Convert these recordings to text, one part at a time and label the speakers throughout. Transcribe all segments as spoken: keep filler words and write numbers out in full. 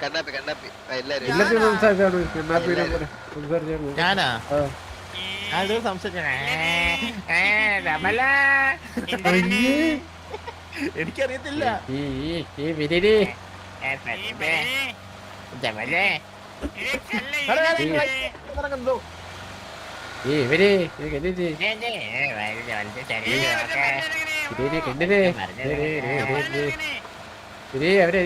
Speaker 1: ഞാനാ ഞാനൊരു സംശയിച്ച എനിക്കറിയത്തില്ല.
Speaker 2: ഇവര് അവരെ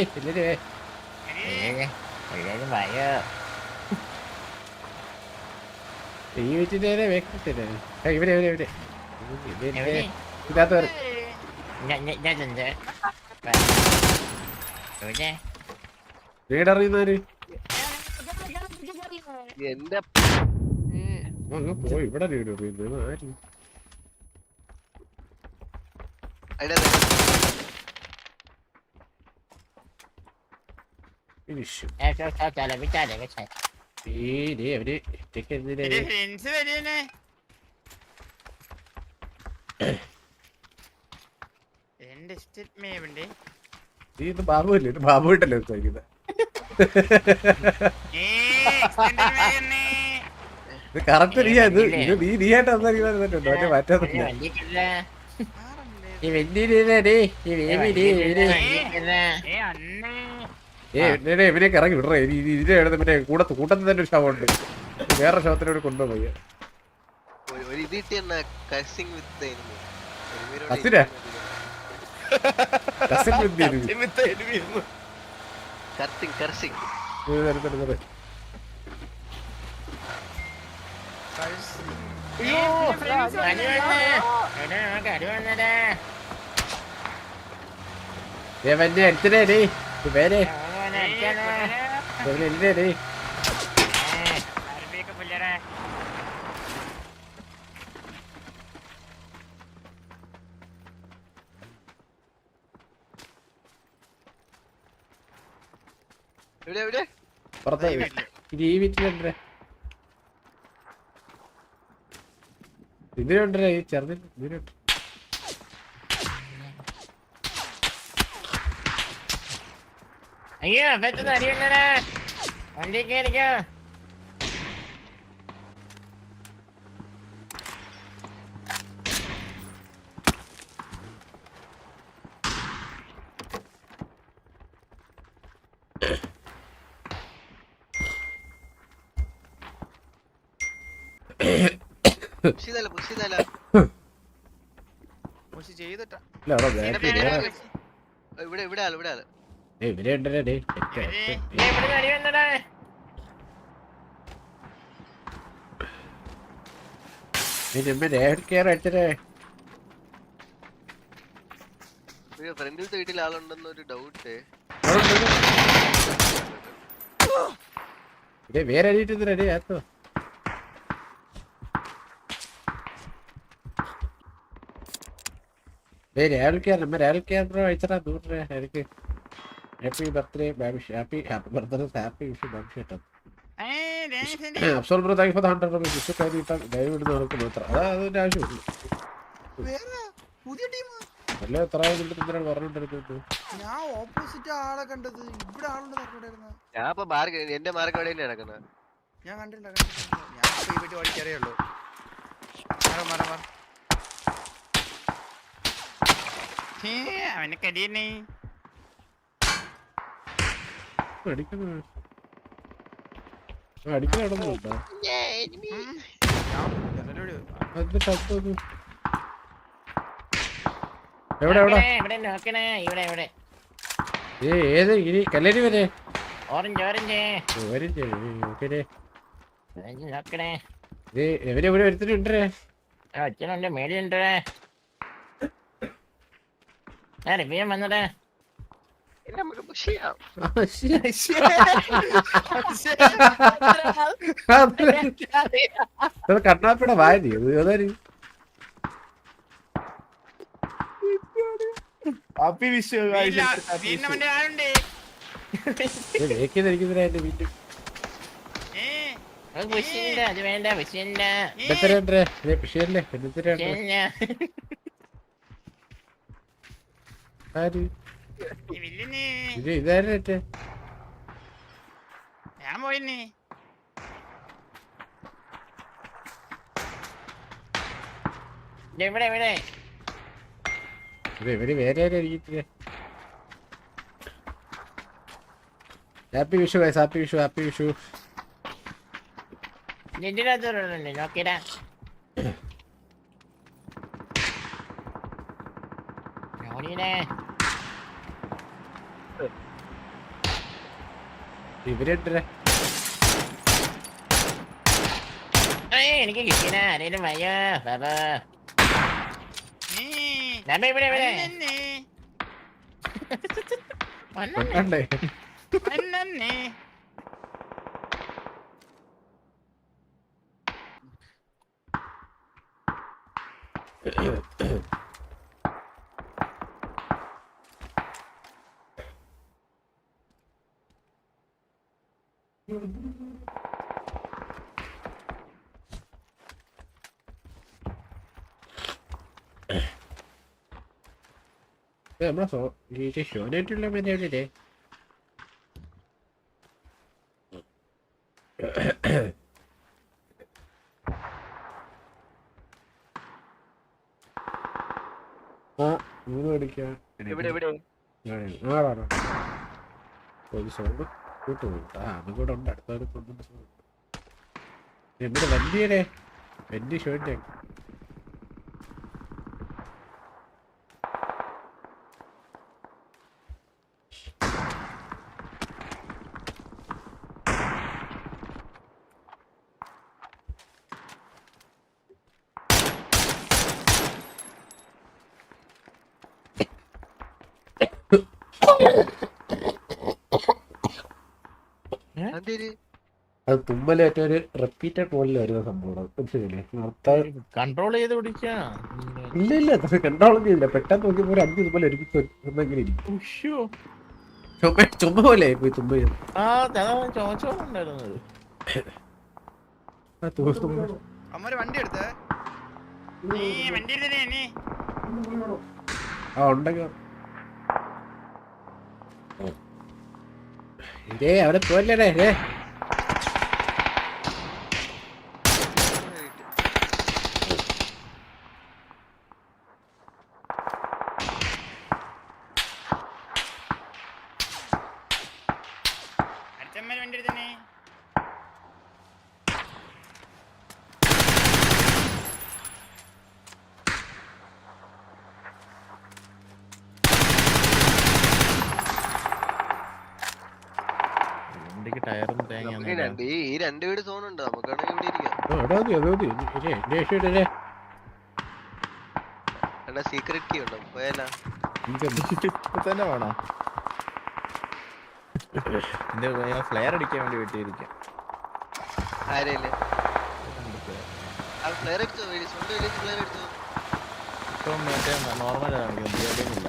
Speaker 2: ഈ വെച്ചിട്ട് വെക്കത്തില്ലേ ഇവരെ ഇവരെ ഇവരെ ഇതിനകത്ത് വീടറിയുന്നവര്
Speaker 3: എന്റെ
Speaker 2: പോയി ഇവിടെ വീട് അറിയുന്നത് ആര് ഫിനിഷ് അവര് ഇത് ബാബുല്ലേ ഇത് ബാബു ഇട്ടല്ലേ ചോദിക്കുന്നത് ഇത് കറക്റ്റ് നീ ഇത് നീ നീ ആയിട്ട് സംസാരിക്കുന്നുണ്ടോ മറ്റേ മാറ്റാന്നില്ല ഇവനൊക്കെ ഇറങ്ങി വിടറേ ഇതിന്റെ മറ്റേ കൂടത്ത് കൂട്ടത്തിൽ തന്നെ ഒരു ശവമുണ്ട് വേറെ ശവത്തിനോട് കൊണ്ടുപോയി കസിനാ കസിൻ അടുത്തേ പേര് എന്തേ പുറത്തെ ഈ വീട്ടിലുണ്ടേ ഇതിലുണ്ടേ ഈ ചെറുതിൽ ഇതിലുണ്ട്
Speaker 1: അയ്യോ പെട്ടെന്ന് അറിയണ്ടേ വണ്ടി കയറിക്കോ
Speaker 3: ഇവിടെ ഇവിടെ ആള് ഇവിടെ ആള്
Speaker 2: ഇവരെ ഉണ്ടല്ലേ
Speaker 3: ഫ്രണ്ടിലത്തെ വീട്ടിൽ ആളുണ്ടെന്ന് ഒരു ഡൗട്ട്
Speaker 2: വേറെ റെഡി ആത്തോ രാഹുൽ കെയർ നമ്മ രാഹുൽ കെയർ ബ്രോ അയച്ചടാ നൂറ് രൂപ എനിക്ക് happy birthday Babish happy happy birthday happy Vishu Babish കേട്ടോ അഫ്സോൾ bro thank for hundred rupees Vishu കഴിഞ്ഞിട്ട് ലൈവ് ഇടുന്ന ആൾക്ക് മാത്രം അതാ അതിന്റെ ആവശ്യമുള്ളൂ അല്ല എത്ര എന്തിനാണ് പറഞ്ഞോണ്ടിരുന്നത്
Speaker 4: ഞാൻ ഓപ്പോസിറ്റ് ആളെ കണ്ടത് ഇവിടെ ആളുണ്ട്
Speaker 3: ഞാൻ ഇപ്പൊ മാർക്ക് എന്റെ മാർക്ക് എവിടെ നടക്കുന്നത്
Speaker 4: ഞാൻ കണ്ടില്ല ഞാൻ ഈ വീട്ടിൽ ഓടിക്കറിയുള്ളൂ അവനെ കടിയന്നെ
Speaker 2: ഏത് ഇനി കല്ലേരി വരെ
Speaker 1: ഓറഞ്ച് ഓറഞ്ച്
Speaker 2: എവരെ എവിടെ ഒരുത്തരുണ്ടേ
Speaker 1: അച്ഛനുണ്ട് മേടിയുണ്ട് റിവ്യൂ വന്നടേ
Speaker 2: കണ്ണാപ്പിടെ വായതി ഏതായാലും
Speaker 4: ഹാപ്പി വിഷു
Speaker 2: എന്റെ വീട്ടിൽ
Speaker 1: അത് വേണ്ട വിഷയല്ല
Speaker 2: വിഷയല്ലേ ആര് ഇത് ഇതാരട്ടെ
Speaker 4: പോയിനി
Speaker 1: ദേ ഇവിടെ ഇവിടെ
Speaker 2: ഇത് ഇവര് വേറെ ആരും ഇരിക്കത്തില്ല. Happy Vishu guys, happy Vishu, happy Vishu.
Speaker 1: ഇതിനകത്തുണ്ട് നോക്കിടാ. ഓടിയേ
Speaker 2: ഇവരെട്ടേ
Speaker 1: എനിക്ക് കിട്ടിയ ആരേലും വയ്യ ബാബാ. ബാബ ഇവിടെ ഇവിടെ
Speaker 2: കണ്ടേ നമ്മളെ സോ ഈ ഷോനായിട്ടുള്ള മര്യാദയില്ലേ? ആ മൂന്ന് മേടിക്കാം.
Speaker 3: ഇവിടെ ഇവിടെ
Speaker 2: ആടാണോ ഒരു സൗണ്ട് കൂട്ടുപോയി. ആ അതും കൂടെ ഉണ്ട്, അടുത്തവരെ കൊണ്ടുണ്ട്. നമ്മുടെ വണ്ടിയുടെ വണ്ടി ഷോന്റെ
Speaker 3: അതെന്തിന്?
Speaker 2: അത് തുമ്മലേറ്റ ഒരു റിപ്പീറ്റഡ് മോഡിൽ വരുന്ന സംഭവം മനസ്സിലെ നിർത്താൻ
Speaker 1: കൺട്രോൾ ചെയ്ത് പിടിക്കാ.
Speaker 2: ഇല്ല ഇല്ല അത് കണ്ടോളം ചെയ്യില്ല. പെട്ടെന്ന് നോക്കിയപ്പോ ഒരു അഞ്ച് തുമ്മൽ ഒരുക്കി ഒന്നെങ്കിലും ഇരിക്കും. ചുമ ചുമ പോലെ പോയി തുമ്മ ചെയ്തു.
Speaker 1: ആ ചോദിച്ചോണ്ടായിരുന്നത്.
Speaker 4: അമ്മര് വണ്ടി എടുത്തേ നീ വണ്ടി എടുത്തേ നീ
Speaker 2: ആ ഉണ്ടെങ്കിൽ ഇതേ അവിടെ പോലേ ഏ
Speaker 4: അച്ഛമ്മര് വണ്ടി എടുത്തേ
Speaker 1: ടയറും
Speaker 3: നമുക്ക് രണ്ട് ഈ ഈ രണ്ട് വീട് സോൺ ഉണ്ട്, നമുക്കാണെങ്കിൽ ഇവിടെ ഇരിക്കാം. എന്നാ സീക്രട്ട് കീ ഉണ്ടോ? പോയാലാ
Speaker 1: തന്നെ വേണോ? എന്റെ ഫ്ലെയർ അടിക്കാൻ വേണ്ടി വെട്ടിയിരിക്കാം.
Speaker 3: ആരേല് ഫ്ലെയർ അടിച്ചോ? സ്വന്തം വില്ലേജ് ഫ്ലെയർ അടിച്ചോ?
Speaker 1: ഇപ്പം മറ്റേ നോർമലാണ് കാണിക്കുന്നത്.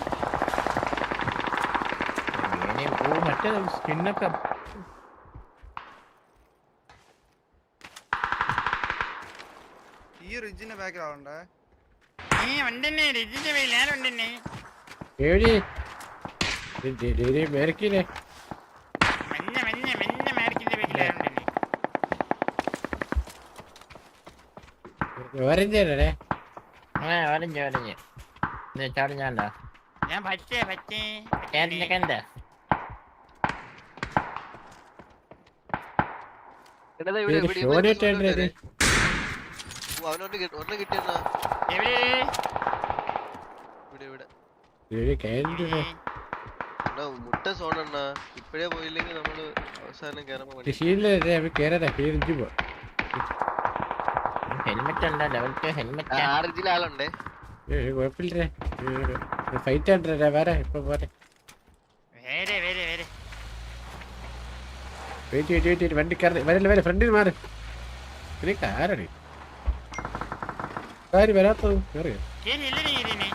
Speaker 1: ഓ മറ്റേ സ്കിന്നൊക്കെ
Speaker 4: ഈ റിജിന്റെ ബാക്കിൽ ആളുണ്ടേ. നീ വണ്ടിന്നെ റിജിന്റെ പേരിൽ ഞാൻ വണ്ടിന്നെ
Speaker 2: ഏഴി മേരക്കില്ലേ
Speaker 4: മഞ്ഞ മഞ്ഞ മഞ്ഞ മാർക്കിന്റെ പേരിൽ ആളുണ്ടേ.
Speaker 2: ഓരഞ്ചേ
Speaker 1: ആ ഓരഞ്ച് ഓരഞ്ച് ചാടി ഞാണ്ടാ
Speaker 4: ഞാൻ പച്ചേ പച്ചേ
Speaker 1: കണ്ട
Speaker 3: എടാ ഇവിടെ ഇവിടെ
Speaker 2: ഷോനേറ്റ്
Speaker 3: അവനോട്ട് ഒരെണ്ണം കിട്ടിയെന്നാ
Speaker 4: എവിടെ
Speaker 3: ഇവിടെ ഇവിടെ എടാ മുട്ട സോണെണ്ണ ഇപ്പഴേ പോയില്ലെങ്കിൽ നമ്മള് അവസാനം കേറുമ്പോ
Speaker 1: ഹെൽമെറ്റ് ഉണ്ടോ? ലെവൽ ടു ഹെൽമെറ്റ്
Speaker 3: ആറിഞ്ചിൽ ആളുണ്ടേ.
Speaker 2: കുഴപ്പമില്ലേ ഫൈറ്റ് ആണ്ടേ വേറെ ഇപ്പൊ പോരെ.
Speaker 4: വേറെ വേറെ വേറെ
Speaker 2: വെയിറ്റ് വെയിറ്റ് വെയിറ്റ് വണ്ടി കയറി വരല്ലേ വരെ ഫ്രണ്ടിൽ മാറി. നിനക്ക് ആരാണ് കാര്യം വരാത്തത്? കയറിയോ?
Speaker 4: കേറിയില്ല നീ ഇതിനെ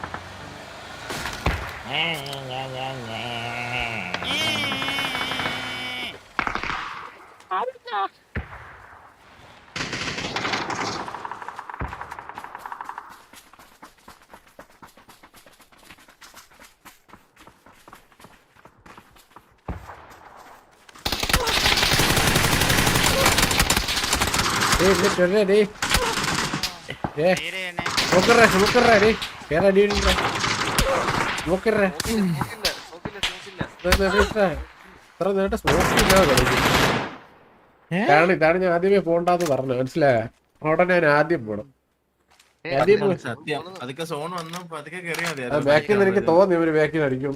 Speaker 2: ഡേയ് ഇങ്ങോട്ട് വരണേ ഡേയ് ഏ
Speaker 4: നേരെ തന്നെ.
Speaker 2: നോക്കറേ നോക്കറേ ഡേയ് കേറാ അടി നോക്കറേ
Speaker 3: നോക്കില്ല നോക്കില്ല നോക്കില്ല
Speaker 2: ഇത്ര നേരിട്ട് സ്മോക്കില്ലാതെ കാരണം ഇതാണ് ഞാൻ ആദ്യമേ പോണ്ടെന്ന് പറഞ്ഞു മനസ്സിലായ ഉടനെ ഞാൻ ആദ്യം പോണം ആദ്യം പോയി
Speaker 5: സത്യം അതൊക്കെ സോൺ വന്നു പതുക്കെ കേറിയാ മതി
Speaker 2: ആ ബാക്കിൽ നിന്ന് എനിക്ക് തോന്നി ഇവര് ബാക്കിൽ അടിക്കും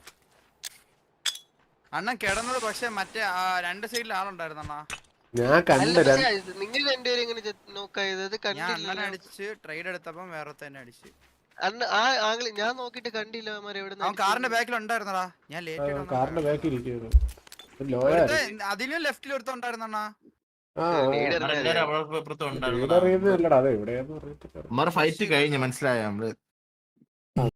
Speaker 4: അണ്ണൻ കിടന്നത് പക്ഷെ മറ്റേ ആ രണ്ട് സൈഡിൽ ആളുണ്ടായിരുന്നു അണ്ണാ.
Speaker 2: ഞാൻ കണ്ട രണ്ട്
Speaker 3: നിങ്ങൾ രണ്ടുപേരും എങ്ങനെ നോക്കായത്
Speaker 4: ഞാൻ
Speaker 3: കണ്ടില്ല
Speaker 4: അണ്ണനെ അടിച്ച് ട്രേഡ് എടുത്തപ്പം വേറെ തന്നെ അടിച്ച്.
Speaker 3: അന്ന് ആ ആംഗിൾ ഞാൻ നോക്കിട്ട് കണ്ടില്ല അവന്മാരെ എവിടെ
Speaker 4: അവൻ കാറിന്റെ ബാക്കിൽ ഉണ്ടായിരുന്നടാ. ഞാൻ ലേറ്റ്
Speaker 2: കാറിന്റെ ബാക്കിൽ ഇരിക്കുന്നു ലോയ
Speaker 4: അതിലും ലെഫ്റ്റിൽ ഒരുത്തുണ്ടായിരുന്നു അണ്ണാ.
Speaker 2: ആ
Speaker 5: എല്ലാരും അവിടെ ഇപ്പുറത്തും ഉണ്ടായിരുന്നു
Speaker 2: അറിയുന്നല്ലടാ അതെ എവിടെയാന്ന് പറഞ്ഞിട്ട്
Speaker 5: ഫൈറ്റ് കഴിഞ്ഞു മനസ്സിലായോ നമ്മള്